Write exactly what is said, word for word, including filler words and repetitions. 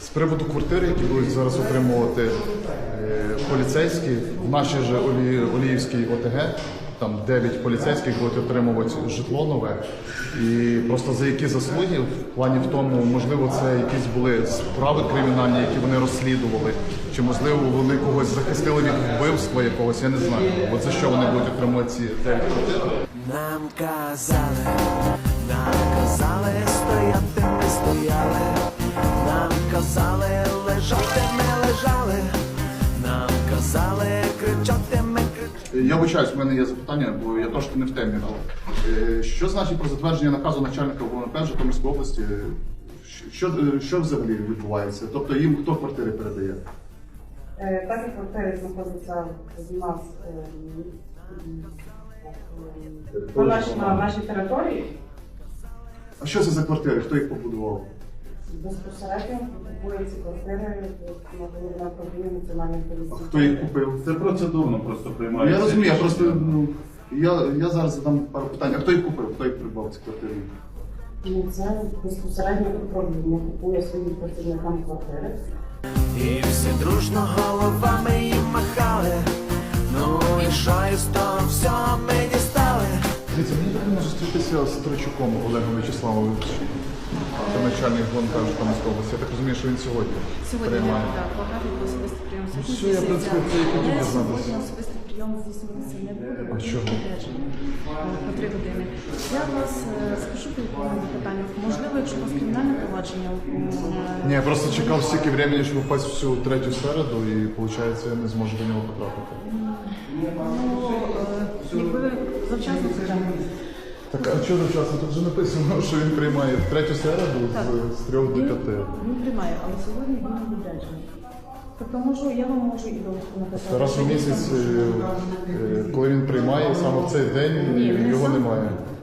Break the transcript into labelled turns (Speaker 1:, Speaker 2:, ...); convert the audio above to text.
Speaker 1: З приводу квартири, які будуть зараз отримувати е, поліцейські, в нашій же Олі, Оліївській ОТГ, там дев'ять поліцейських будуть отримувати житло нове. І просто за які заслуги, в плані в тому, можливо, це якісь були справи кримінальні, які вони розслідували, чи, можливо, вони когось захистили від вбивства якогось, я не знаю. От за що вони будуть отримувати ці дев'ять квартир.
Speaker 2: Нам казали, нам казали, стояти ми стояли, нам казали, лежати ми лежали, нам казали, кричати ми кричали.
Speaker 1: Я вибачаюсь, в мене є запитання, бо я трошки не в темі. Е, Що значить про затвердження наказу начальника ОВНП Житомирської області? Що, що взагалі відбувається? Тобто їм хто квартири передає?
Speaker 3: Е, Так як квартири знаходяться в нас е, на нашій, на нашій території,
Speaker 1: А що це за квартири? Хто їх побудував?
Speaker 3: безпосередньо купує ці квартири на управління національної
Speaker 1: А
Speaker 3: поліції.
Speaker 1: хто їх купив?
Speaker 4: Це процедурно просто
Speaker 1: Ну,
Speaker 4: приймається.
Speaker 1: я розумію, я просто ну, я, я зараз задам пару питань. А хто їх купив? Хто їх придбав ці квартири?
Speaker 3: Ну, це безпосередньо управління купує своїм працівникам квартири.
Speaker 2: І всі дружно головами їм махали, ну і що із того всього ми дістали.
Speaker 1: Дивіться, мені потрібно зустрітися з Тричуком Олегом Вячеславовичем. Це начальник ГУНП Житомирської області. Я так розумію, що він сьогодні
Speaker 5: Сьогодні
Speaker 1: приймає.
Speaker 5: так, багато особистий прийом
Speaker 1: Ну, все, я, в принципі, це і хотів
Speaker 5: Але
Speaker 1: дізнатися.
Speaker 5: сьогодні особистий прийом здійснюватися не буде,
Speaker 1: А
Speaker 5: бо
Speaker 1: чого?
Speaker 5: відрядження по три години. Я вас е, скажу по якому питанню. Можливо, якщо у вас кримінальне провадження, е,
Speaker 1: Ні, я просто чекав стільки времени, щоб попасть в цю третю середу, і виходить, я не зможу до нього потрапити.
Speaker 5: ну, е, якби ви завчасно затримали.
Speaker 1: Так, а чого завчасно? Тут вже написано, що він приймає в третю середу
Speaker 5: Так.
Speaker 1: з, з трьох до
Speaker 5: Він,
Speaker 1: п'яти.
Speaker 5: він приймає, але сьогодні він не відряджений. Тобто можу, я вам можу і довідку написати.
Speaker 1: Раз у
Speaker 5: що
Speaker 1: місяць,
Speaker 5: дійсно-
Speaker 1: е, е, коли він приймає, саме в цей день
Speaker 5: Ні, не
Speaker 1: його
Speaker 5: сам-
Speaker 1: немає.